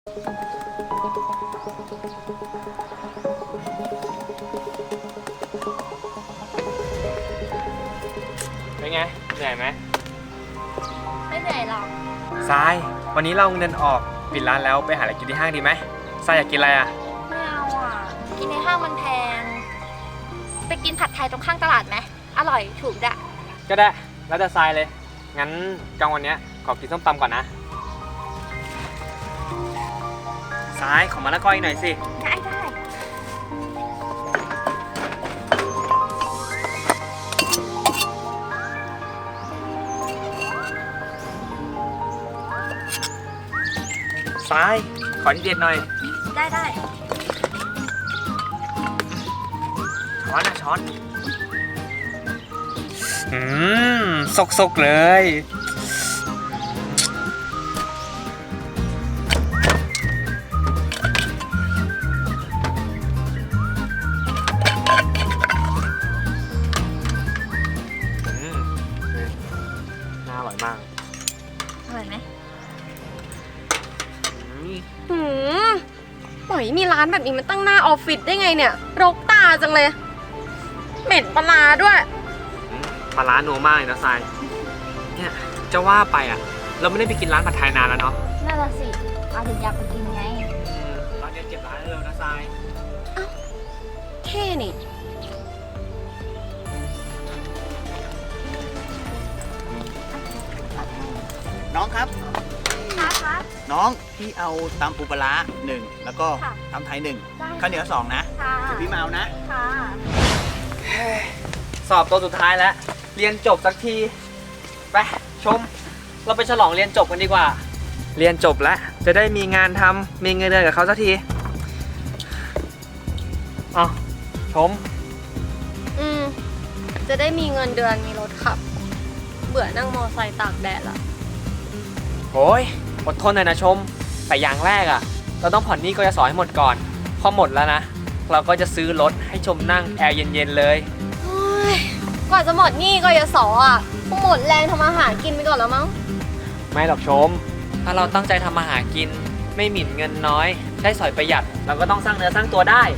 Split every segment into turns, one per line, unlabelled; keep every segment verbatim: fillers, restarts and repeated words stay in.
เป็นไงเหนื่อยไหม
ไม่เหนื่อยหรอก
ทรายวันนี้เราเงินออกปิดร้านแล้วไปหาอะไรกินที่ห้างดีไหมทรายอยากกินอะไรอ่ะ
ไม่เอาอ่ะกินในห้างมันแพงไปกินผัดไทยตรงข้างตลาดไหมอร่อยถูกด้วย
ก็ได้แล้วแต่ทรายเลยงั้นกลางวันนี้ขอกินส้มตำก่อนนะทรายขอมะละกออีกหน่อยสิ
ได้ได้
ทรายขอที่เด็ดหน่อย
ได้ได้
ช้อนนะช้อนอืมสกๆเลยอืมน่าอร่อยมาก
อร่อยไหม
หืมปล่อยมีร้านแบบนี้มันตั้งหน้าออฟฟิศได้ไงเนี่ยรกตาจังเลยเหม็นปลาด้วย
ปลาร้านัวมากเลยนะทรายเนี่ยจะว่าไปอ่ะเราไม่ได้ไปกินร้านผัดไทยนานแล้วเนาะ
น่าจะสิอาถึงอยากไปกินไง
ร้านนี้เก็บร้านเร็วนะทราย
เอ้าเท่นี่
น้องครับ
ค่ะค่ะ
น้องพี่เอาตำปูปลาร้าหนึ่งแล้วก็ตำไทยหนึ่งข้าวเหนียวสองนะเดี๋ยวพี่มาเอานะ
ค่ะ
สอบตัวสุดท้ายแล้วเรียนจบสักทีไปชมเราไปฉลองเรียนจบกันดีกว่าเรียนจบแล้วจะได้มีงานทำมีเงินเดือนกับเขาสักทีเอาชม
อืมจะได้มีเงินเดือนมีรถขับเบื่อนั่งมอไซค์ตากแดดละ
โอ้ยอดทนหน่อยนะชมแต่อย่างแรกอ่ะเราต้องผ่อนหนี้กยศให้หมดก่อนพอหมดแล้วนะเราก็จะซื้อรถให้ชมนั่งแอร์เย็นๆเลย
กว่าจะหมดหนี้กยศอ่ะคงหมดแรงทำอาหารกินไปก่อนแล้วมั้ง
ไม่หรอกชมถ้าเราตั้งใจทำอาหารกินไม่หมิ่นเงินน้อยใช้สอยประหยัดเราก็ต้องสร้างเนื้อสร้างตัวได้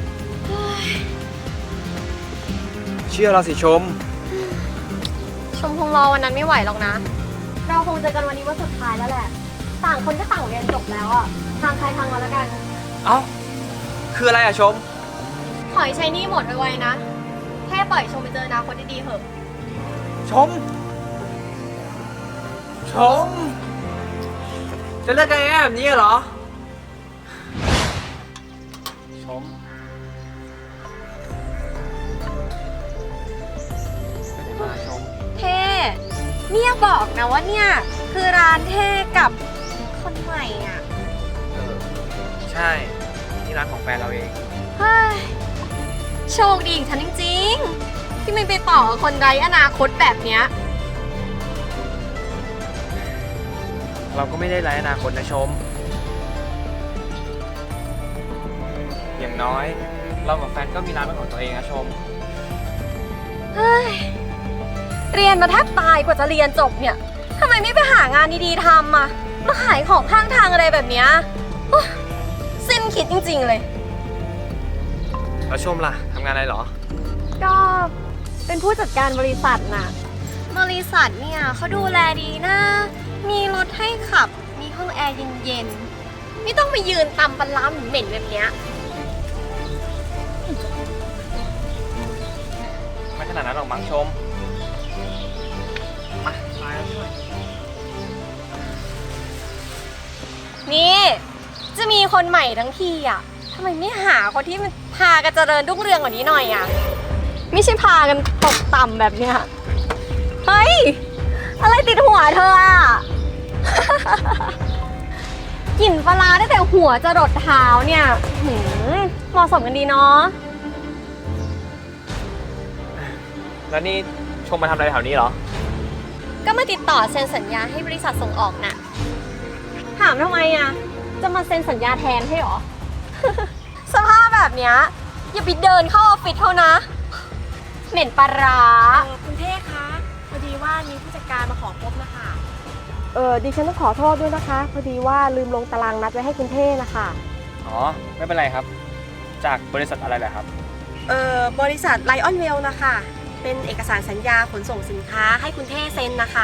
เชื่อเราสิชม
ชมคงรอวันนั้นไม่ไหวหรอกนะเราคงเจอกันวันนี้วันสุดท้ายแล้วแหละต่างคนก็ต่างเรียนจบแล้วอ่ะทางใครทางมันแล้วกัน
เอ้าคืออะไรอะชม
ขอให้ใช้หนี้หมดไวๆนะแค่ปล่อยชมไปเจออนาคตดีๆเถอะ
ชมชมจะเลิกกันง่ายแบบนี้เหรอชมไม่ได้มาชม
เท่เนี่ยบอกนะว่าเนี่ยคือร้านเท่กับคนใหม่อ่ะ
เออใช่ที่ร้านของแฟนเราเอง
เฮ้ยโชคดีของฉันจริงๆที่ไม่ไปต่อกับคนไร้อนาคตแบบเนี้ย
เราก็ไม่ได้ไร้อนาคตนะชมอย่างน้อยเรากับแฟนก็มีร้านเป็นของตัวเองนะชม
เฮ้ยเรียนมาแทบตายกว่าจะเรียนจบเนี่ยทำไมไม่ไปหางานดีๆทำอ่ะมาขายของข้างทางอะไรแบบเนี้ยสิ้นคิดจริงๆเลย
แล้วชมล่ะทำงานอะไรหรอ
ก็เป็นผู้จัดการบริษัทน่ะบริษัทเนี่ยเขาดูแลดีนะมีรถให้ขับมีห้องแอร์เย็นๆไม่ต้องไปยืนตำปลาร้าเหม็นๆแบบเนี้ย
ไม่ขนาดนั้นหรอกมั้งชมมามาช่วย
นี่จะมีคนใหม่ทั้งทีอ่ะทำไมไม่หาคนที่มันพากันเจริญรุ่งเรืองกว่านี้หน่อยอ่ะไม่ใช่พากันตกต่ำแบบเนี้ยเฮ้ยอะไรติดหัวเธออ่ะ กลิ่นปลาตั้งแต่หัวจะรดเท้าเนี่ยหืมเหมาะสมกันดีเนาะ
แล้วนี่ชมมาทำอะไรแถวนี้เหรอ
ก็มาติดต่อเซ็นสัญญาให้บริษัทส่งออกน่ะถามทำไมอ่ะจะมาเซ็นสัญญาแทนให้หรอ สภาพแบบเนี้ยอย่าไปเดินเข้าออฟฟิศเท่านะเหม็นปลาร้า
คุณเท่คะพอดีว่ามีผู้จัดการมาขอพบนะคะ
เออดิฉันต้องขอโทษด้วยนะคะ พอดีว่าลืมลงตารางนัดไว้ให้คุณเท่นะคะ
อ๋อ ไม่เป็นไรครับ จากบริษัทอะไรเหรอครับ
เออบริษัทไลออนเวลนะคะ เป็นเอกสารสัญญาขนส่งสินค้าให้คุณเท่เซ็นนะคะ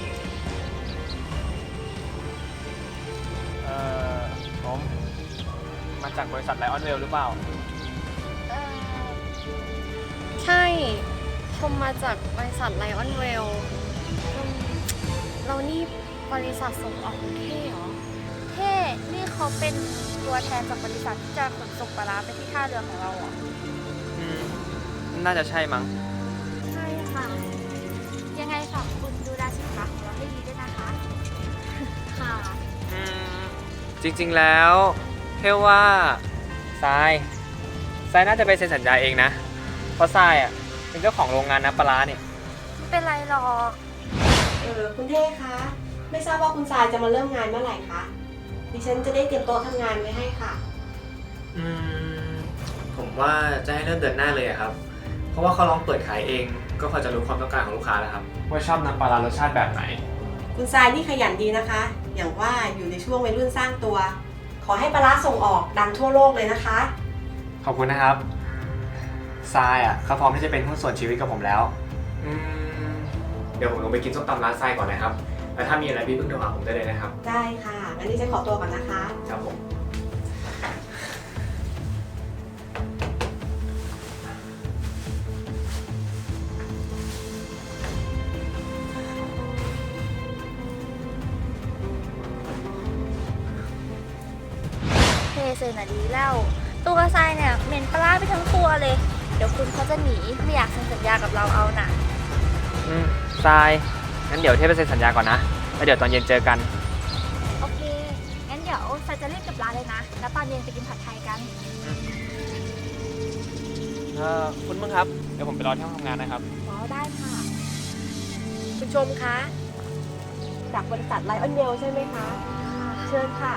เอ่อผมมาจากบริษัทไลออนเวลหรือเปล่า
เอ่อ
ใช่ ชมมาจากบริษัทไลออนเวลเรานี่บริษัทส่งออกคุณเท่เหรอ
เท่นี่เขาเป็นตัวแทนจากบริษัทที่จะขนส่งปลาร้าไปที่ท่าเรือของเราเหรอ
อืม น่าจะใช่มั้ง
ใช่ค่ะ ยังไงฝากคุณดูแลสินค้าของเราให้ดีด้วยนะคะ ค่ะ
อืม จริงๆแล้วเท่ว่าทรายทรายน่าจะไปเซ็นสัญญาเองนะ เพราะทรายอ่ะเป็นเจ้าของโรงงานน้ำปลาร้าเนี่ย
ไม่เป็นไรหรอก
เออคุณเท่คะ ไม่ทราบว่าคุณทรายจะมาเริ่มงานเมื่อไหร่คะ ดิฉันจะได้เตรียมโต๊ะทำงานไว้ให้ค่ะ
อืม ผมว่าจะให้เริ่มเดือนหน้าเลยอะครับ เพราะว่าเขาลองเปิดขายเอง ก็พอจะรู้ความต้องการของลูกค้าแล้วครับ ว่าชอบน้ำปลาร้ารสชาติแบบไหน
คุณทรายนี่ขยันดีนะคะ อย่างว่าอยู่ในช่วงวัยรุ่นสร้างตัว ขอให้ปลาร้าส่งออกดังทั่วโลกเลยนะคะ
ขอบคุณนะครับทรายอ่ะเขาพร้อมที่จะเป็นหุ้นส่วนชีวิตกับผมแล้ว อืม เดี๋ยวผมลงไปกินส้มตำร้านทรายก่อนนะครับ แล้วถ้ามีอะไรพี่เพิ่งโทรหาผมได้เลยนะครับ
ได้ค่ะ งั้นดิฉันขอตัวก่อนนะคะ
ครับผม
เทเซนอะดีแล้ว ตัวทรายเนี่ยเหม็นปลาร้าไปทั้งตัวเลย เดี๋ยวคุณเขาจะหนีไม่อยากเซ็นสัญญากับเราเอาน่ะ
อืมทราย งั้นเดี๋ยวเทพไปเซ็นสัญญาก่อนนะ แล้วเดี๋ยวตอนเย็นเจอกัน
โอเค งั้นเดี๋ยวทรายจะรีบกลับร้านเลยนะ แล้วตอนเย็นไปกินผัดไทยกัน
เอ่อ คุณมึงครับ เดี๋ยวผมไปรอที่ห้องทำงานนะครับ
อ๋อ ได้ค่ะ
คุณชมคะ จากบริษัทไลออนเวลใช่ไหมคะ เชิญค่ะ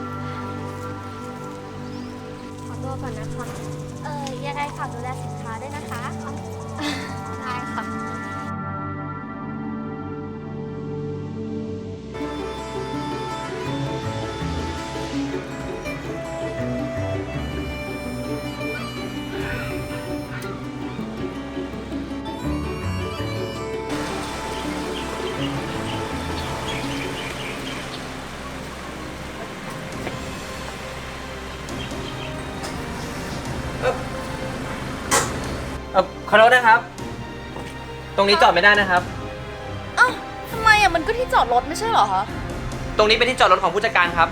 ขอตัวก่อนนะคะ
เออยังไงฝากดูแลสินค้าด้วยนะคะ ได้ค่ะ
เออขอโทษนะครับ ตรงนี้จอดไม่ได้นะครับ
อ้าวทำไมอ่ะ มันก็ที่จอดรถไม่ใช่เหรอคะ
ตรงนี้เป็นที่จอดรถของผู้จัดการครับ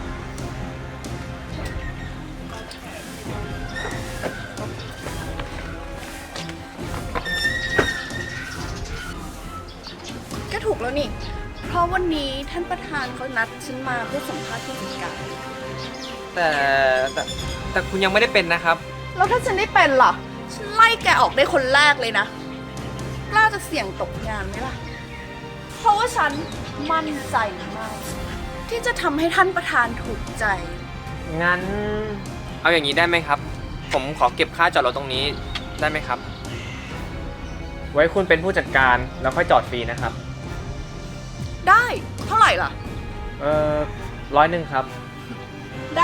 ก็ถูกแล้วนี่ เพราะวันนี้ท่านประธานเขานัดฉันมาเพื่อสัมภาษณ์ผู้จัดการ
แต่แต่แต่คุณยังไม่ได้เป็นนะครับ
แล้วถ้าฉันได้เป็นล่ะ ฉันไล่แกออกได้คนแรกเลยนะ กล้าจะเสี่ยงตกงานไหมล่ะ เพราะว่าฉันมั่นใจมากที่จะทำให้ท่านประธานถูกใจ
งั้น เอาอย่างนี้ได้ไหมครับ ผมขอเก็บค่าจอดรถตรงนี้ได้ไหมครับ ไว้คุณเป็นผู้จัดการแล้วค่อยจอดฟรีนะครับ
ได้ เท่าไหร่ล่ะ
เอ่อร้อยหนึ่งครับ
ได้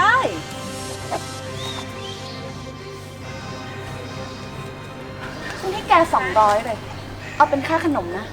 ฉันให้แกสองร้อยเลย เอาเป็นค่าขนมนะ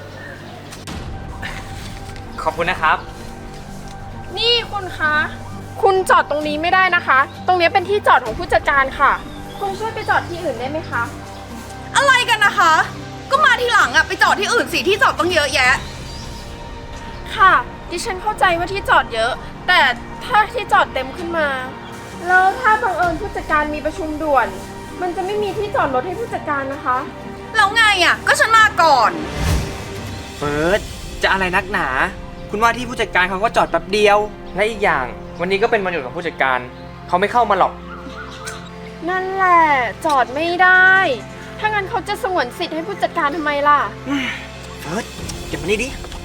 ขอบคุณนะครับ
นี่คุณคะ คุณจอดตรงนี้ไม่ได้นะคะ ตรงนี้เป็นที่จอดของผู้จัดการค่ะ คุณช่วยไปจอดที่อื่นได้ไหมคะ
อะไรกันนะคะ ก็มาทีหลังอะไปจอดที่อื่นสิที่จอดต้องเยอะแยะ
ค่ะ ดิฉันเข้าใจว่าที่จอดเยอะ แต่ถ้าที่จอดเต็มขึ้นมา แล้วถ้าบังเอิญผู้จัดการมีประชุมด่วน มันจะไม่มีที่จอดรถให้ผู้จัดการนะคะ
แล้วไงอะก็ฉันมาก่อน
เฟิร์สจะอะไรนักหนา คุณว่าที่ผู้จัดการเขาก็จอดแป๊บเดียว และอีกอย่าง วันนี้ก็เป็นวันหยุดของผู้จัดการ เขาไม่เข้ามาหรอก
นั่นแหละจอดไม่ได้ ถ้างั้นเขาจะสงวนสิทธิ์ให้ผู้จัดการทำไมล่ะ
เฟิร์สเก็บมานี่ดิ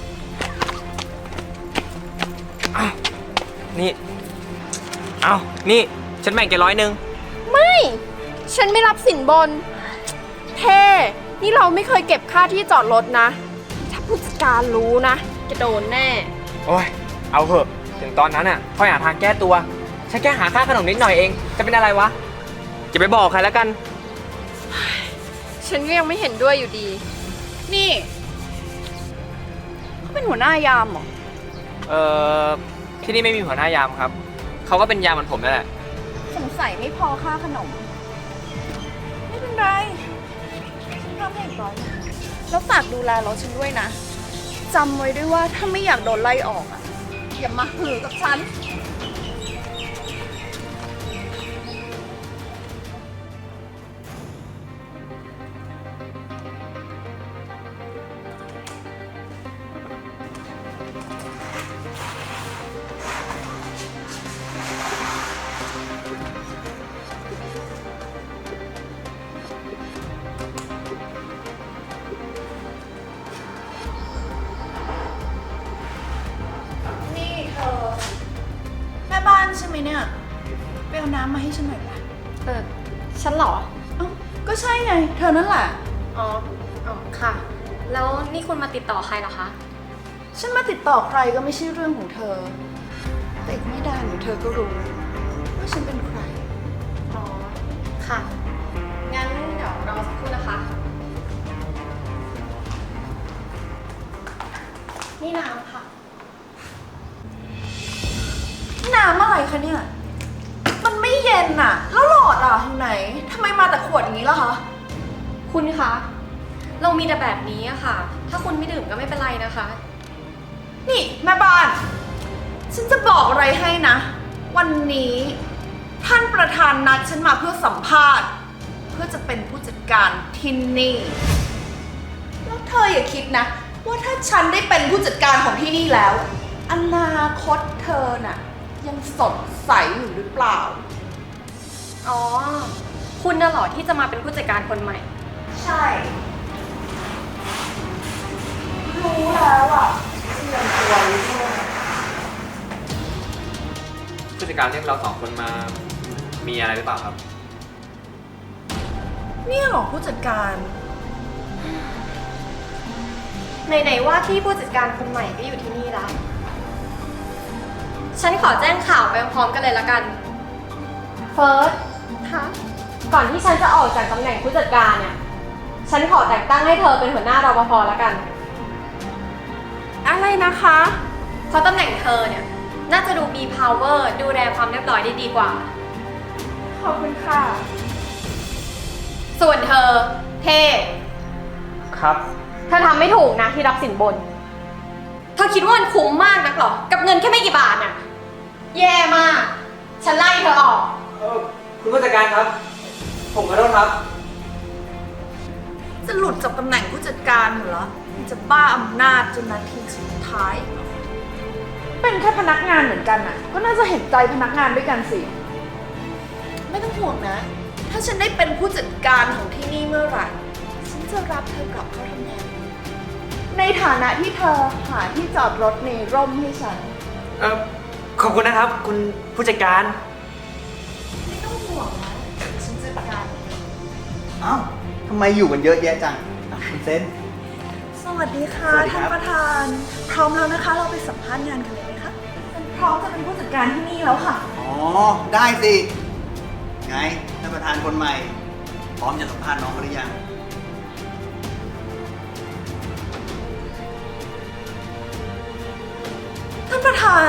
อ้าวนี่เอานี่ ฉันแบ่งแกร้อยหนึ่ง
ไม่ ฉันไม่รับสินบน เท่ นี่เราไม่เคยเก็บค่าที่จอดรถนะ ถ้าผู้จัดการรู้นะจะโดนแน่
โอ้ย เเอาเหอะถึงตอนนั้นอ่ะค่อยหาทางแก้ตัวฉันแค่หาค่าขนมนิดหน่อยเองจะเป็นอะไรวะจะไปบอกใครแล้วกัน
ฉันก็ยังไม่เห็นด้วยอยู่ดี
นี่เขาเป็นหัวหน้ายามเหรอ
เอ่อที่นี่ไม่มีหัวหน้ายามครับเขาก็เป็นยามเหมือนผมนั่นแหละ
สงสัยไม่พอค่าขนม ไม่เป็นไรฉันทำให้อีกร้อยหนึ่งแล้วฝากดูแลรถฉันด้วยนะจำไว้ด้วยว่าถ้าไม่อยากโดนไล่ออกอ่ะ อย่ามาหือกับฉัน นี่เธอแม่บ้านใช่ไหมเนี่ยไปเอาน้ำมาให้ฉันหน่อยปะ
เออ ฉันเหรอ
เอ้าก็ใช่ไง เธอนั่นแหละ
อ๋อ อ๋อ ค่ะ แล้วนี่คุณมาติดต่อใครเหรอคะ
ฉันมาติดต่อใครก็ไม่ใช่เรื่องของเธอ แต่อีกไม่นานเดี๋ยวเธอก็รู้ว่าฉันเป็นใคร
อ๋อ ค่ะ งั้นเดี๋ยวรอสักครู่นะคะ นี่น้ำค่ะ
น้ำอะไรคะเนี่ย มันไม่เย็นอะแล้วหลอดอะอยู่ไหนทำไมมาแต่ขวดอย่างนี้ล่ะคะ
คุณคะ เรามีแต่แบบนี้อะค่ะ ถ้าคุณไม่ดื่มก็ไม่เป็นไรนะคะ
นี่แม่บ้าน ฉันจะบอกอะไรให้นะ วันนี้ท่านประธานนัดฉันมาเพื่อสัมภาษณ์ เพื่อจะเป็นผู้จัดการที่นี่ แล้วเธออย่าคิดนะ ว่าถ้าฉันได้เป็นผู้จัดการของที่นี่แล้ว อนาคตเธอน่ะ ยังสดใสอยู่หรือเปล่า
อ๋อ คุณน่ะเหรอที่จะมาเป็นผู้จัดการคนใหม่
ใช่ รู้แล้วอ่ะเตรียมตัวไว้ด้วย
ผู้จัดการเรียกเราสองคนมามีอะไรหรือเปล่าครับ
เนี่ยเหรอผู้จัดการ
ไหนๆว่าที่ผู้จัดการคนใหม่ก็อยู่ที่นี่แล้ว ฉันขอแจ้งข่าวไปพร้อมกันเลยละกัน เฟิร์ส
ค่ะ
ก่อนที่ฉันจะออกจากตำแหน่งผู้จัดการเนี่ย ฉันขอแต่งตั้งให้เธอเป็นหัวหน้ารปภละกัน
อะไรนะคะ
เพราะตำแหน่งเธอเนี่ย น่าจะดูมี power ดูแลความเรียบร้อยได้ดีกว่า
ขอบคุณค่ะ
ส่วนเธอ เทพ
ครับ
เธอทำไม่ถูกนะที่รับสินบน เธอคิดว่ามันคุ้มมากนักเหรอ กับเงินแค่ไม่กี่บาทน่ะ แย่มาก ฉันไล่เธอออก
เออคุณผู้จัดการครับ ผมขอโทษครับ
จะหลุดจากตำแหน่งผู้จัดการเหรอมันจะบ้าอำนาจจนนาทีสุดท้ายเหรอ
เป็นแค่พนักงานเหมือนกันน่ะ ก็น่าจะเห็นใจพนักงานด้วยกันสิ
ไม่ต้องห่วงนะ ถ้าฉันได้เป็นผู้จัดการของที่นี่เมื่อไหร่ ฉันจะรับเธอกลับเข้าทำงาน ในฐานะที่เธอหาที่จอดรถในร่มให้ฉัน
เออขอบคุณนะครับ คุณผู้จัดการ
ไม่ต้องห่วงนะฉันจัดการเอง
เอ้าทำไมอยู่กันเยอะแยะจังอ่ะคุณเซน
สวัสดีค่ะ
สวัสดีครั
ท่าน
บ
ประธาน พร้อมแล้วนะคะ เราไปสัมภาษณ์งานกันเลยไหมคะฉันพร้อมจะเป็นผู้จัดการที่นี่แล้วค่ะ
อ๋อ ได้สิ ไงท่านประธานคนใหม่ พร้อมจะสัมภาษณ์น้องเขาหรือยัง
ท่านประธาน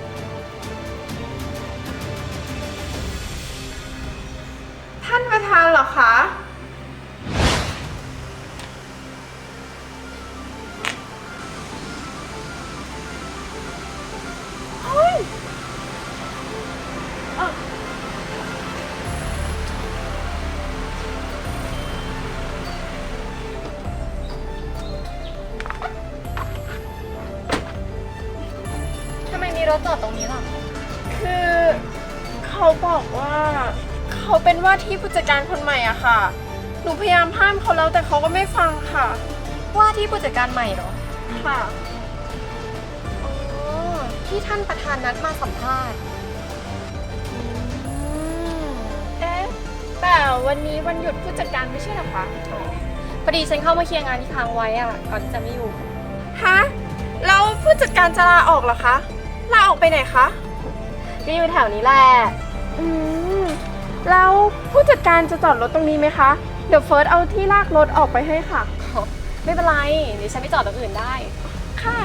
ท่านประธานเหรอคะ
ทำไมมีรถจอดตรงนี้ล่ะ
คือเขาบอกว่าเขาเป็นว่าที่ผู้จัดการคนใหม่อะค่ะ หนูพยายามห้ามเขาแล้วแต่เขาก็ไม่ฟังค่ะ
ว่าที่ผู้จัดการใหม่เหรอ
ค่ะ
อ๋อ ที่ท่านประธานนัดมาสัมภาษณ์อืม
เอ๊ะ แต่วันนี้วันหยุดผู้จัดการไม่ใช่เหรอคะ
พอดีฉันเข้ามาเคลียร์งานที่ค้างไว้อะก่อนที่จะไม่อยู่
ฮะ แล้วผู้จัดการจะลาออกเหรอคะ แลาออกไปไหนคะ
ก็อยู่แถวนี้แหละ
อืม แล้วผู้จัดการจะจอดรถตรงนี้ไหมคะ เดี๋ยวเฟิร์สเอาที่ลากรถออกไปให้ค่ะ
ไม่เป็นไรเดี๋ยวฉันไปจอดตรงอื่นได้
ค่ะ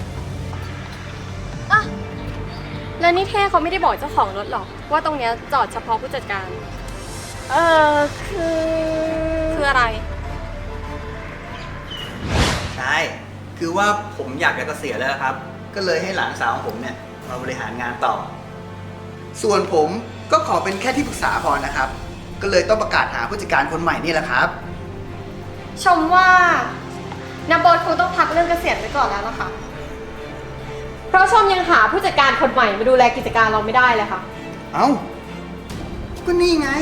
อ่ะแล้วนี่เท่เขาไม่ได้บอกเจ้าของรถหรอกว่าตรงเนี้ยจอดเฉพาะผู้จัดการ
เออคือ
คืออะไร
ใช่ คือว่าผมอยากจะเกษียณแล้วครับ ก็เลยให้หลานสาวของผมเนี่ยมาบริหารงานต่อ ส่วนผมก็ขอเป็นแค่ที่ปรึกษาพอนะครับ ก็เลยต้องประกาศหาผู้จัดการคนใหม่นี่แหละครับ
ชมว่านาโบทคงต้องพักเรื่องเกษียณไว้ก่อนแล้วนะคะ เพราะชมยังหาผู้จัดการคนใหม่มาดูแลกิจการเราไม่ได้เลยค่ะ
เอ้า ก็นี่ไง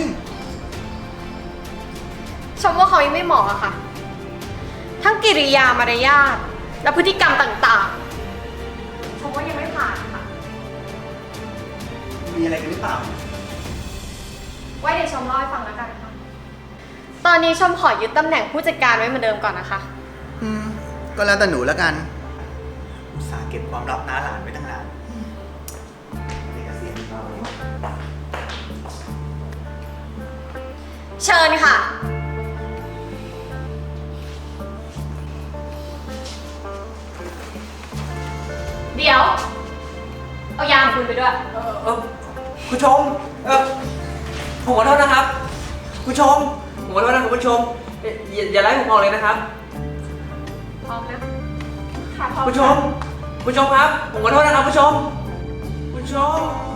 ชมว่าเขายังไม่เหมาะอะค่ะ ทั้งกิริยามารยาทและพฤติกรรมต่างๆ ชมว่ายังไม่ผ่านค่ะ
มีอะไรกันหรือเปล่า
ไว้เดี๋ยวชมเล่าให้ฟังแล้วกันค่ะ ตอนนี้ชมขอยึดตำแหน่งผู้จัดการไว้เหมือนเดิมก่อนนะคะ
อืม ก็แล้วแต่หนูแล้วกันอุตส่าห์เก็บความลับน้าหลานไว้ตั้งนานนี่ก็เสียงเรา
เชิญค่ะ เดี๋ยว เอายามคุณไปด้วย
เออเออคุณชม เออผมขอโทษนะครับ คุณชม ผมขอโทษนะคุณผู้ชมเอ่ออย่าอย่าไล่ผมออกเลยนะครับ
พร้อมนะ
ค่ะพร้อม
คุณชม คุณชมครับ ผมขอโทษนะครับคุณชม คุณชม